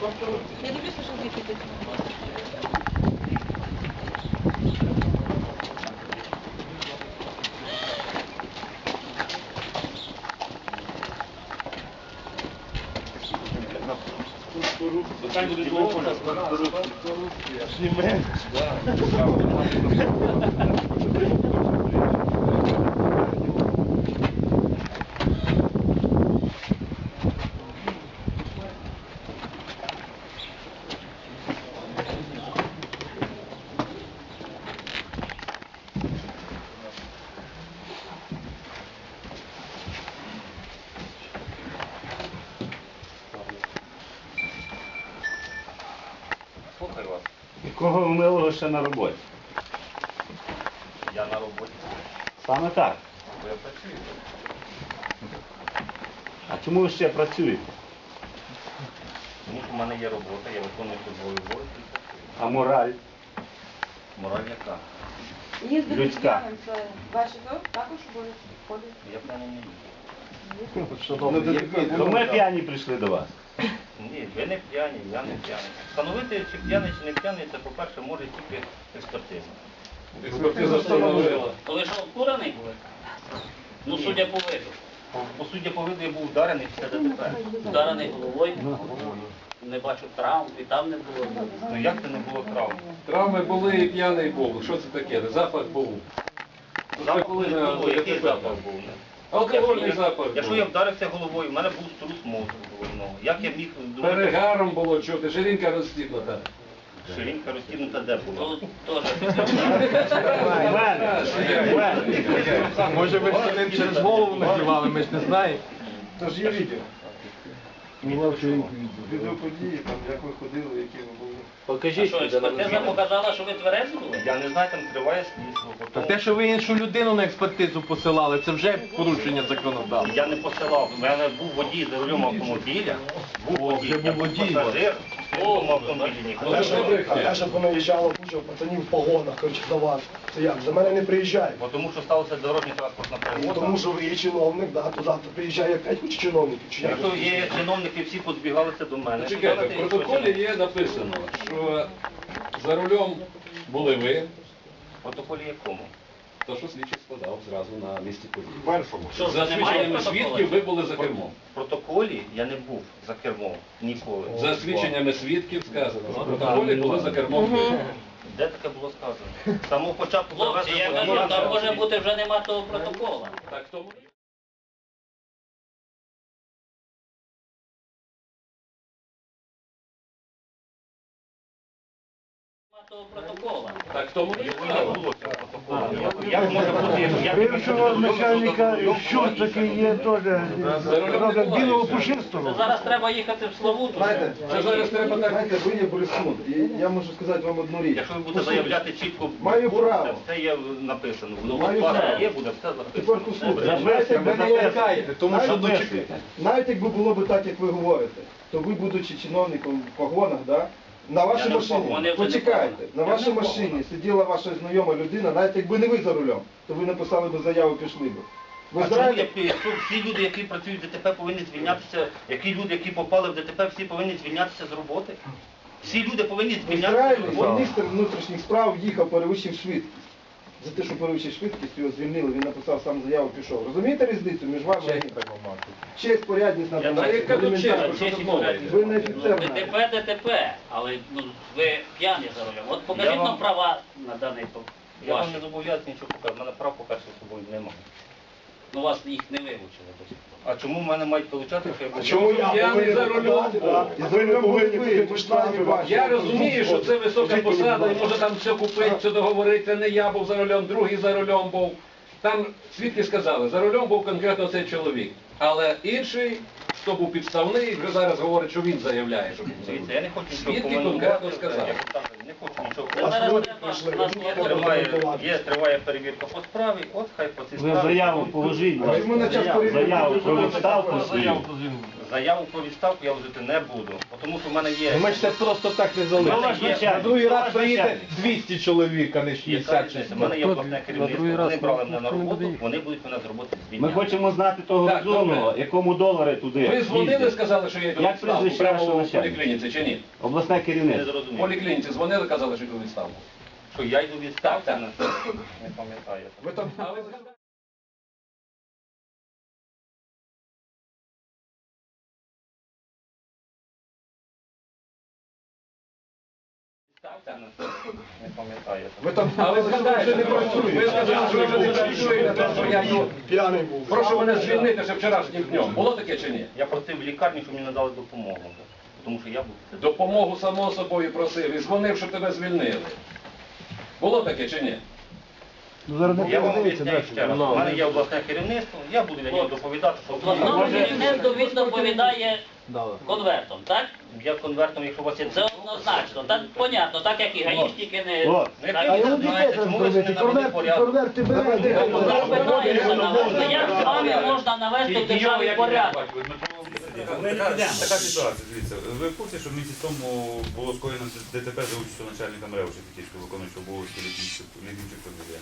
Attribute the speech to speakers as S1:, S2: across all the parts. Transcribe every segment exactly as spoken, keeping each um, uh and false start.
S1: Я дивлюся, що звідти.
S2: Хай буде довго, корупція. Зніме.
S3: Слухаю вас.
S4: І кого вмило ще на роботі?
S3: Я на роботі.
S4: Саме так.
S3: Бо я працюю.
S4: А чому ви ще працюєте?
S3: Тому що в мене є робота, я виконую службовий обов'язок і працюю.
S4: А мораль?
S3: Мораль яка?
S1: Їздити
S4: Людська.
S1: п'яним, це ваші також обов'язки входить?
S3: Я п'яний не їду.
S4: То ми п'яні прийшли до вас.
S3: Ні, ви не п'яні, я не п'яний. Встановити, чи п'яний, чи не п'яний, це, по-перше, може тільки експертиза.
S2: Експертиза встановила.
S5: То ви що, обкурений були? Ну,
S3: Ні.
S5: судя по виду.
S3: По суді, по виду я був вдарений після ДТП.
S5: Вдарений головою, не бачу травм, і там не було.
S3: Ну як це не було травм?
S2: Травми були і п'яний був. Що це таке? Запах був.
S3: Запаху не було, який запах був?
S2: Алкогольний
S3: Якщо-
S2: запах
S3: Якщо
S2: був.
S3: я вдарився головою, в мене був струс мозку головного. Як я міг думати,
S2: Перегаром було чути, жирінка розстібнута.
S3: ширинка розтягнута де була?
S5: То теж.
S4: У мене. У мене.
S6: Може ви ним через голову надівали, ми ж не знаємо.
S7: Тож є відео. Відео події, там, як ви ходили, які ви були.
S5: А
S6: Покажіть.
S5: що, експертиза показала, що ви тверезі були?
S3: Я не знаю, там триває слідство.
S6: Та
S3: потім-
S6: те, що ви іншу людину на експертизу посилали, це вже порушення законодавства.
S3: Я не посилав. У мене був водій за рулем автомобіля. Був водій,
S6: вже
S3: я
S6: був
S3: був
S6: водій.
S3: пасажир в цьому автомобілі. Ніхто не був.
S7: А те, що понаїжджало куча пацанів в погонах, коротше, до вас. Це як? За мене не приїжджають.
S3: Бо тому що сталося дорожня транспортна
S7: Ну,
S3: пригода.
S7: тому що ви є чиновник, да, туди приїжджає п'ять куча чиновників. Чи як?
S3: Якщо є чиновники, всі підбігалися до мене.
S2: Чекайте,
S3: сказали,
S2: в
S3: що
S2: протоколі
S3: чиновник.
S2: є написано, що за рулем були ви,
S3: В протоколі якому?
S2: то що слідчий складав зразу на місці події.
S7: Першому.
S5: Що,
S2: За
S5: вже немає
S2: свідченнями
S5: протоколу?
S2: свідків ви були за кермом.
S3: В протоколі я не був за кермом ніколи.
S2: За свідченнями свідків сказано, що в протоколі були за кермом ви.
S3: Де таке було сказано? З самого початку
S5: Хлопці, я
S3: завезли
S5: кажу, там може
S3: водія.
S5: бути вже нема того протокола.
S2: Так тому.
S5: Нема того протокола.
S2: Так тому і
S3: Його не було цього протоколу. Як може бути? як-
S8: Бившого начальника Щурчаки є теж роблять білого
S5: Це
S8: пушистого.
S5: зараз треба їхати в Славуту.
S7: Знаєте,
S2: Це зараз треба так.
S7: знаєте, ви є борисун, і я можу сказати вам одну річ.
S3: Якщо ви будете заявляти чітко,
S7: Маю право.
S3: це є написано. Воно
S7: Маю
S3: у вас
S7: право.
S3: є, буде все
S7: Тепер
S3: записано.
S7: послухайте, знаєте, як ви не лякаєте,
S8: тому що
S7: навіть, навіть якби було б так, як ви говорите, то ви, будучи чиновником в погонах, да, на вашій
S3: Я не в
S7: машині,
S3: погонах.
S7: почекайте, на
S3: Я
S7: вашій
S3: не в
S7: машині
S3: погонах.
S7: сиділа ваша знайома людина, навіть якби не ви за рулем, то ви написали б заяву, пішли б. Ви
S3: А чому
S7: знаєте,
S3: я- якщо всі люди, які працюють в ДТП, повинні звільнятися, які люди, які попали в ДТП, всі повинні звільнятися з роботи? Всі люди повинні звільнятися з
S7: Ізраїль,
S3: роботи.
S7: міністр внутрішніх справ їхав, перевищив швидкість. За те, що перевищив швидкість, його звільнили, він написав сам заяву, пішов. Розумієте різницю між вами і ним? Честь, порядність,
S3: Я
S7: надо.
S3: так,
S2: яка тут честь? Про що
S5: Честь
S2: тут
S5: і
S2: мова
S5: порядність.
S2: йде?
S7: Ви не офіцер. навіть.
S5: ДТП, ДТП, але ну, ви п'яні за рулем. От покажіть
S3: Я вам-
S5: нам права на даний по-
S3: Я вам
S5: ваші.
S3: не зобов'язаний нічого показати, в мене прав, по-перше, з собою немає.
S5: Ну, вас їх не вивчили до сих пор.
S3: А чому в мене мають получати, що я був?
S7: Чому я
S2: Я не
S7: повинен
S2: за рулем
S7: подати,
S2: був.
S7: да? І ви не повинні бути по штрафі ваші.
S2: Я розумію, що це висока посада, і може там все купити, все договорити. Не я був за рулем, другий за рулем був. Там свідки сказали, за рулем був конкретно цей чоловік. Але інший, хто був підставний, вже зараз говорить, що він заявляє, що був за
S3: Дивіться,
S2: рулем.
S3: я не хочу нічого
S2: Свідки
S3: коментувати,
S2: конкретно сказали.
S3: я так, не хочу нічого
S5: Це зараз
S3: коментувати.
S5: треба, нас є
S3: Триває, є, триває перевірка по справі, от хай по цій
S4: Ви
S3: справі.
S4: заяву положіть.
S7: А чому на час перевірки?
S4: Заяву про відставку свою.
S3: Заяву про відставку я вжити не буду, тому що в мене є...
S6: Ми ж це просто так не
S3: У мене
S6: залишимо.
S3: є-
S6: На другий раз
S4: Ваш
S6: приїде
S4: начальник.
S6: двісті чоловік, а не
S3: Яка
S6: шістдесят чи
S3: різниця? У
S6: сто.
S3: мене є обласне керівництво, вони брали мене на роботу, вони будуть мене з роботи
S4: Ми
S3: звільняти.
S4: хочемо знати того
S2: Так,
S4: розумного,
S2: добре.
S4: якому долари туди.
S2: Ви дзвонили,
S4: їздять.
S2: сказали, що я йду у
S4: Як
S2: відставку
S4: прізвище
S2: прямо
S4: вашого
S2: в
S4: начальника?
S2: поліклініці, чи ні?
S4: Обласне
S3: Не
S4: керівництво.
S2: В
S3: зрозумів.
S2: поліклініці дзвонили, казали, що йду у відставку.
S3: Що я йду у відставку?
S2: Так,
S3: Не пам'ятаю.
S7: Ви там
S2: А ви згадали?
S3: Не пам'ятаю.
S7: ви там
S2: А ви
S7: сказали, що ви вже не
S2: згадаєте, ви
S7: працюєте.
S2: сказали, що ви вже не працюєте, що я йду.
S7: П'яний був.
S2: Прошу мене звільнити ще вчорашнім днем. Було таке чи ні?
S3: Я просив в лікарні, щоб мені надали допомогу. Тому що я був...
S2: Допомогу само собою просив і дзвонив, щоб тебе звільнили. Було таке чи ні?
S8: Ну, зараз не
S3: Я вам
S8: подивиться,
S3: обіцяю
S8: далі.
S3: ще раз. У мене є обласне керівництво, я буду для нього доповідати, що
S5: Обласному керівництву він доповідає конвертом, так?
S3: я конвертом, якщо у вас є...
S5: Це однозначно, так понятно, так як і гаїшники не...
S4: От.
S3: Не
S5: так,
S8: А йому
S3: знаєте,
S8: дітей треба
S3: чому ви
S8: зробити,
S3: не навели
S8: конверт,
S3: порядок?
S8: конверти берете.
S5: Запитаємося навести. Як з вами можна навести в державі порядок?
S9: Така ситуація, дивіться. Ви в курсі, що в місяць тому було скоєно ДТП за участю начальника МРЕО Шепетівського виконуючого обов'язки Літвінчук Фамілія?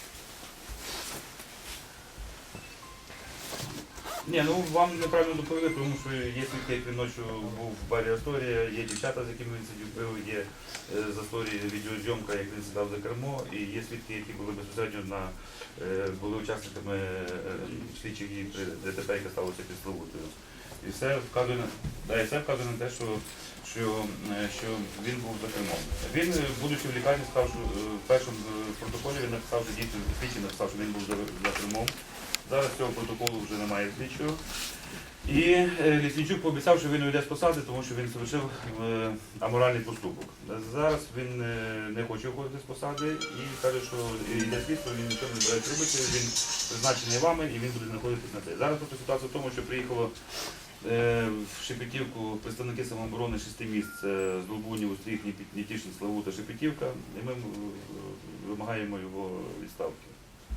S9: Ні, ну вам неправильно доповіли, тому що є свідки, як він ночі був в барі Асторія, є дівчата, з якими він сидів пив, є е, з Асторії відеозйомка, як він сідав за кермо, і є свідки, які були безпосередньо на, е, були учасниками е, слідчих дій при ДТП, яке сталося під Славутою. І все вказує на, да, і все вказує на те, що, що, е, що він був за кермом. Він, е, будучи в лікарні, сказав, що е, в першому е, протоколі він написав, що дійсно слідчий написав, що він був за, за кермом. Зараз цього протоколу вже немає слідчого. І е, Ліснічук пообіцяв, що він уйде з посади, тому що він совершив е, аморальний поступок. Зараз він е, не хоче уходити з посади і каже, що йде слідство, він нічого не збирається робити, він призначений вами і він буде знаходитись на це. Зараз просто ситуація в тому, що приїхало е, в Шепетівку представники самооборони шести міст е, з Долбунів, Устріх, Нітішин, Славута, Шепетівка, і ми е, вимагаємо його відставки.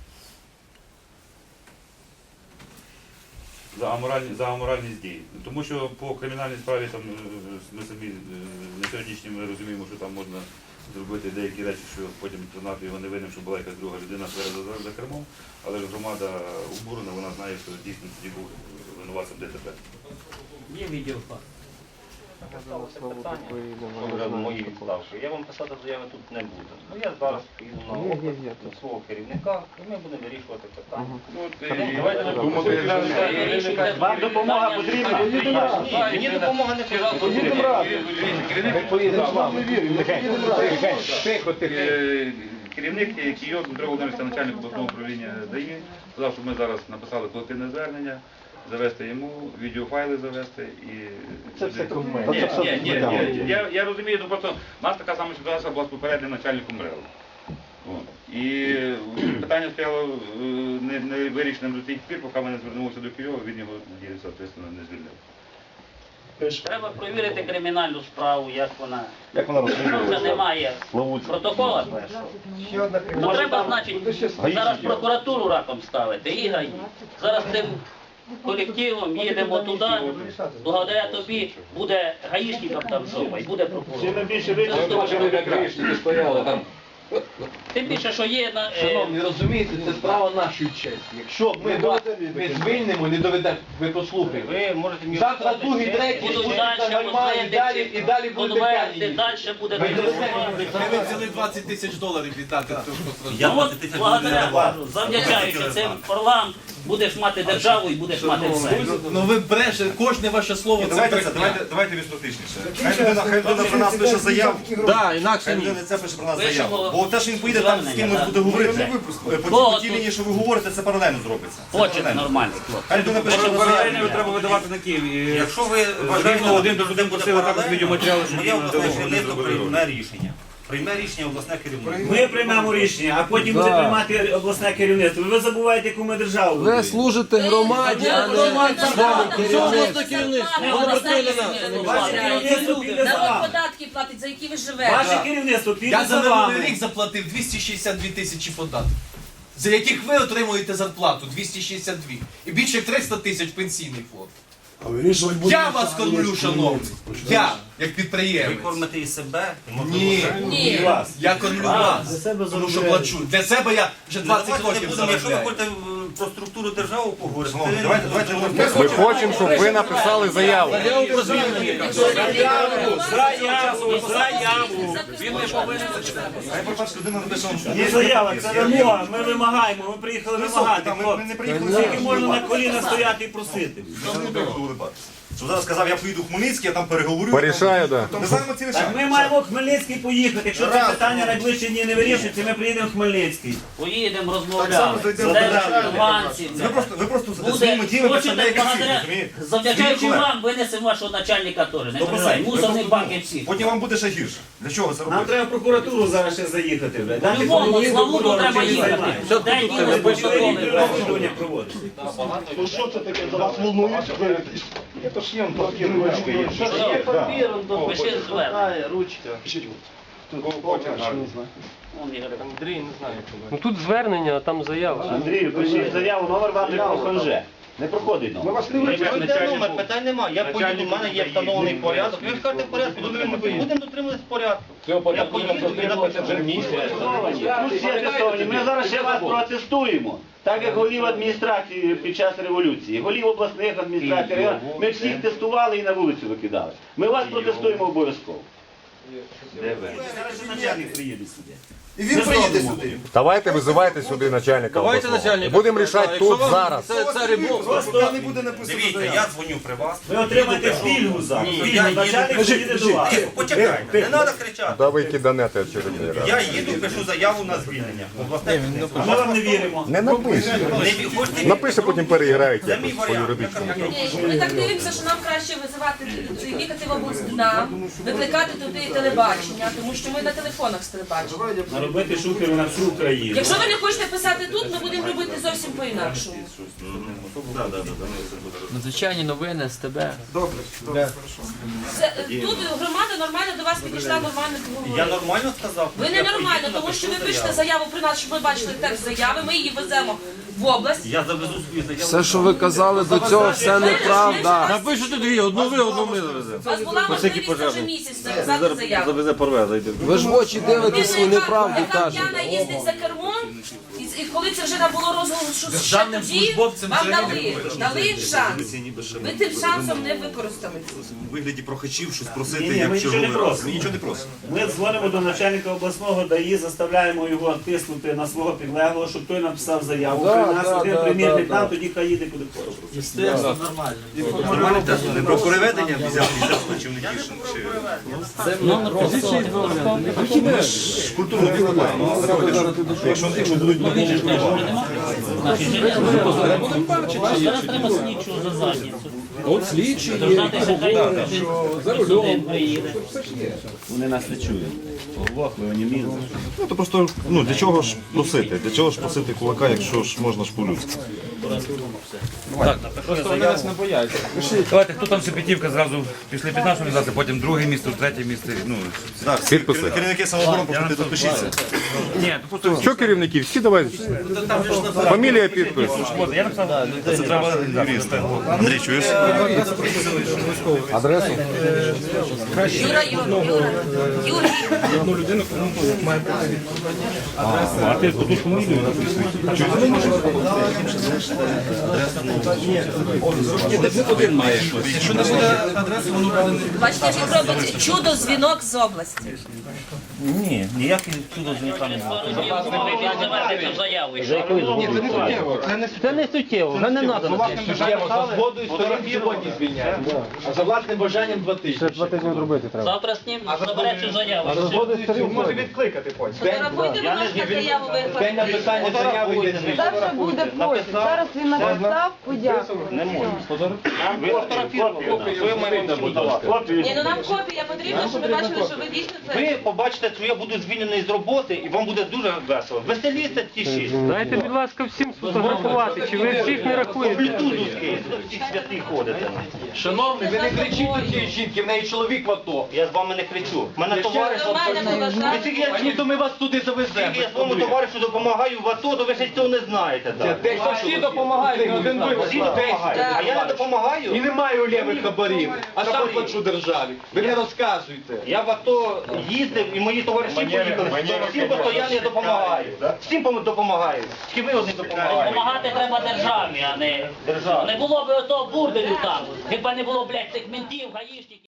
S9: За аморальні, за аморальність дій. Тому що по кримінальній справі там, е, ми самі е, на сьогоднішній ми розуміємо, що там можна зробити деякі речі, що потім признати його невинним, що була якась друга людина за, за кермом, але ж громада обурена, вона знає, що дійсно тоді був винуватцем ДТП.
S5: Є відеофакт.
S3: Це питання мої відставки. Я вам писати заяви тут не буду. Ну я зараз поїду на огляд до свого керівника і ми будемо вирішувати питання.
S2: Давайте не думати.
S4: Вам допомога потрібна?
S3: Ні, мені допомога не потрібна.
S6: Поїдемо з вами. Тихо, тихо.
S9: Е, Керівник Кійо Дмитро Володимирович, начальник обласного управління ДАІ, сказав, що ми зараз написали колективне звернення, завести йому, відеофайли завести і...
S6: Це все
S9: Ні,
S6: кумедно.
S9: ні, ні, ні, ні. Я, я розумію, ну просто у нас така сама ситуація була з попереднім начальником МРЕО. От. І питання стояло е, не, не вирішеним до тих пір, поки ми не звернулися до Києва, він його, надіюся, соответственно, не звільнив.
S5: Треба перевірити кримінальну справу, як вона.
S4: Як вона
S5: Якщо вже
S4: розслідується?
S5: немає
S4: Славутська.
S5: протокола першого,
S7: Ще одна
S5: то
S7: кримінальна.
S5: треба, значить, зараз прокуратуру раком ставити і ГАІ. Зараз цим колективом їдемо туди, благодаря тобі буде гаїшникам там жопа і буде
S4: Чим
S5: прокурор.
S4: найбільше
S2: Ми
S4: вичерпно,
S2: бачили, як грішники стояли там.
S5: Тим більше, що є на... е,
S6: Шановні, розумієте, це справа нашої честі. Якщо ми вас не звільнимо, не доведемо, ви послухайте.
S3: Ви можете мені...
S6: Завтра другий, третій,
S5: Будуть
S6: будуть
S5: далі
S6: нормальні, і далі, і далі будете
S5: конверти,
S6: п'яні.
S5: далі буде...
S6: Ви доведете.
S10: Ви взяли двадцять тисяч доларів віддати, то що
S5: Ну от, благодаря, кажу, завдячаючи цим орлам, будеш мати державу і будеш мати все.
S10: Ну ви бреше, кожне ваше слово це
S9: Давайте,
S10: брехня.
S9: давайте, давайте більш практичніше. Хай людина, хай людина про нас пише заяву.
S6: Да, інакше
S9: Хай
S6: ні.
S9: людина це пише про нас
S5: Пишемо
S9: заяву. Бо те, що він поїде там з кимось буде говорити, по
S5: Кого
S9: тій
S5: тут?
S9: лінії, що ви говорите, це паралельно зробиться. Це
S5: Хоче
S9: паралельно.
S5: нормально, хлопці.
S9: Хай людина пише про заяву.
S3: треба видавати на Києві.
S9: Якщо ви
S3: Рівно один до один просили також відеоматеріали, щоб
S9: моє
S3: їм
S9: обласне
S3: надали,
S9: керівництво
S3: вони зробили.
S9: прийме рішення. Прийме рішення обласне керівництво.
S4: Ми приймемо рішення, а потім буде приймати обласне керівництво. Ви забуваєте, яку ми державу
S6: Ви
S4: будуємо.
S6: служите громаді, а не своєму керівництву.
S5: Не обласне
S4: Ваше керівництво піде за
S11: Народ
S4: вами.
S11: податки платить, за які ви живете.
S4: Ваше керівництво
S10: Я
S4: піде
S10: за
S4: за
S10: минулий
S4: вами.
S10: рік заплатив двісті шістдесят дві тисячі податків, за яких ви отримуєте зарплату двісті шістдесят дві. І більше як триста тисяч пенсійний фонд. Я вас кормлю, шановний. Я, як
S3: Ви
S10: підприємець.
S3: кормите і себе, і
S10: Ні,
S1: Ні.
S10: вас. Я кормлю вас. Тому що плачу. Для себе я вже двадцять
S3: Давайте не
S10: років
S3: будемо, якщо ви
S10: заробляю.
S3: хочете е, про структуру держави поговорити,
S6: Давайте,
S3: давайте,
S6: давайте, ми хочемо, щоб ви написали заяву.
S4: Заяву, заяву.
S2: Він не повинен.
S6: Хай пробач, людина написала, що
S4: Є заява, це вимога, ми вимагаємо, ми приїхали вимагати.
S6: ми не приїхали
S4: Скільки можна на коліна стояти і просити?
S6: Що зараз сказав, я поїду в Хмельницький, я там переговорю.
S11: Порішаю, да.
S6: Ми знаємо ці речі.
S4: Так ми маємо в Хмельницький поїхати. Якщо це питання найближчі дні не вирішується, ми приїдемо в Хмельницький.
S5: Поїдемо,
S6: Так само
S5: розмовляємо.
S6: зайдемо
S5: Де
S6: до держави.
S5: нюансів.
S6: Ви просто, ви просто
S5: Буде,
S6: своїми діями
S5: хочете
S6: представляєте всіх,
S5: благодаря,
S6: розумієте?
S5: завдячаючи
S6: Свій колег.
S5: вам, винесемо вашого начальника теж. Не
S6: Добре,
S5: переживай,
S6: ви
S5: мусорний
S6: просто-
S5: бак і всі.
S6: Потім вам буде ще гірше. Для чого це
S4: Нам
S6: робити?
S4: треба в прокуратуру зараз ще заїхати. блядь. Дати
S5: По-любому,
S4: комунізм,
S5: Славуту
S4: прокурор,
S5: треба
S4: чим
S5: їхати.
S4: займається.
S5: Де діли протоколи?
S4: Розслідування проводиться.
S7: Ну що це таке, за вас волнують?
S6: Це ж є папір, ручка є.
S5: Є папір, допиши звернення. Вон, Ігор.
S11: Ну тут звернення, а там заява.
S4: Андрію, пишіть заяву, номер вам не проходить. Не проходить
S7: Ми
S4: номер.
S7: вас не
S3: Ви
S7: вичерпали.
S3: йдете номер, питань немає. Я поїду, в мене є встановлений порядок. Ви скажете в порядку, дотримуйтесь. Будемо дотримуватись порядку.
S2: Цього
S3: Я
S2: порядку
S3: поїду,
S2: нам
S3: я
S2: дотримуватися вже місяць.
S4: Ну, всі атестовані. Ми зараз ще вас протестуємо. Так як голів адміністрації під час революції, голів обласних адміністрацій, районних, ми всіх тестували і на вулицю викидали. Ми вас протестуємо обов'язково. Зараз ще начальник приїде сюди.
S6: І він приїде сюди.
S11: Давайте визивайте сюди начальника обласного. Будемо рішати тут, зараз.
S6: Просто не буде написано
S3: Дивіться,
S6: заяву.
S3: я дзвоню при вас.
S4: Ви отримаєте пільгу зараз.
S3: Ні,
S4: Пільгу,
S3: я їду.
S4: начальник приїде до вас.
S3: Тихо, почекайте, не треба кричати.
S11: Да ви киданете очередний раз.
S3: Я їду, пишу заяву на звільнення. Обласне
S4: А ми вам не віримо.
S11: Не напише.
S3: Не ві- хочете ві-
S11: Напише, потім переіграєте
S3: Це мій
S11: якось по
S3: варіант.
S11: юридичному.
S1: Ні, ми так дивимося, що нам краще визивати, їхати в область нам, викликати туди телебачення, тому що ми на телефонах з телебачення.
S4: Робити шухери на всю Україну.
S1: Якщо ви не хочете писати тут, ми будемо робити зовсім по-інакшому.
S12: Надзвичайні новини з тебе.
S1: Це, тут громада нормально до вас підійшла, нормально
S3: Я
S1: поговорила.
S3: нормально сказав?
S1: Ви не нормально, тому що ви пишете заяву при нас, щоб ми бачили текст заяви, ми її веземо в область.
S3: Я завезу свою заяву.
S12: Все, що ви казали до цього, все неправда.
S1: Напишете дві, одну ви, одну ми завеземо. У вас була можливість вже місяць написати заяву.
S12: Ви ж в очі дивитесь і неправду
S1: Яка
S12: кажете.
S1: п'яна їздить за кермом, і, і коли це вже набуло розголосу, що ще
S10: Державним
S1: тоді,
S10: службовцям
S1: вам
S10: взагалі
S1: дали, дали шанс. Ви тим шансом не використали.
S6: У вигляді прохачів щось
S4: Ні,
S6: просити,
S4: ні, ми
S6: як
S4: нічого не
S6: черговий раз.
S4: просимо.
S6: Ми нічого не просимо.
S4: Ми дзвонимо до начальника обласного ДАІ, заставляємо його тиснути на свого підлеглого, щоб той написав заяву.
S12: Да,
S4: При нас
S12: да,
S4: один
S12: да,
S4: примірник
S12: да,
S4: там,
S12: да.
S4: тоді хай їде куди хоче.
S6: Нормально теж. Не про переведення взяти, чи не тішно, чи...
S12: Номер позиції
S6: Культуру підкладаємо. Якщо якщо будуть
S5: Зараз треба слідчого за задницю.
S2: От слідчі є.
S5: Дождатися, хай
S2: За
S5: один приїде.
S4: Вони нас не чують. Оглохли, вони мізли.
S6: Ну, то просто, ну, для чого ж просити? Для чого ж просити кулака, якщо ж можна ж по-людськи?
S9: Давайте, хто там Шепетівка зразу після п'ятнадцятої організації, потім друге місце, третє місце. Ну,
S6: Так,
S11: Підписи.
S6: керівники самооборони, просто підпишіться.
S9: ні, то просто
S11: Що керівники? Всі давай. Фамілія, підпис.
S9: я написав, це треба юриста.
S6: Андрій, чуєш?
S11: Адресу?
S1: Юра, Юра, Юра, Юрій.
S9: А ти тут фамілію один має.
S10: Якщо не буде адреси, воно буде не...
S1: Бачите, як робить чудо-дзвінок з області.
S4: Ні, ніяких чудо з нікого немає.
S5: Ви відзиваєте цю заяву. і що?
S7: Це не суттєво, вже не треба. За власним бажанням, за згодою сторін сьогодні звільняємо. А за власним бажанням два тижні.
S11: Два тижні зробити треба.
S5: Завтра з ним забере цю заяву.
S7: За згодою сторін може відкликати потім.
S1: Фотографуйте, будь ласка, заяву ви.
S7: День написання заяви є звільнення.
S1: Завтра буде пост. Зараз він написав, подякував.
S4: Не можна. Ви
S1: Ні, ну нам копія потрібна, щоб ми бачили, що ви дійсно це.
S3: Ви побачите, що я буду звільнений з роботи, і вам буде дуже весело. Веселіться ті шість.
S11: Дайте, будь ласка, всім сфотографувати, чи ви всіх не
S3: По
S11: рахуєте?
S3: блютузу всіх святих ходите.
S7: Шановний, ви не
S6: Не кричіть до цієї жінки, в неї чоловік в ато.
S3: Я з вами не кричу. Мене
S6: Я ще
S3: товариш...
S6: раз
S1: Нормально поважати.
S3: Ви тільки я
S6: Ані, то ми вас туди завеземо.
S3: Тільки я своєму товаришу допомагаю в АТО, то ви ще цього не знаєте. так.
S6: Десь всі допомагають, не один ви.
S3: Всі допомагають. А я не
S6: І
S3: допомагаю.
S6: немає у лівих хабарів, а сам
S3: Хабарів.
S6: плачу державі. Ви не розказуйте.
S3: Я в АТО їздив і мої товариші поїхали. Всім постійно я допомагаю. Всім пом- допомагаю. Тільки ви одні допомагаєте.
S5: Допомагати треба державі, а не...
S3: Державі.
S5: Не було б ото бурделю там. Хіба не було, блядь, цих ментів, гаїшників.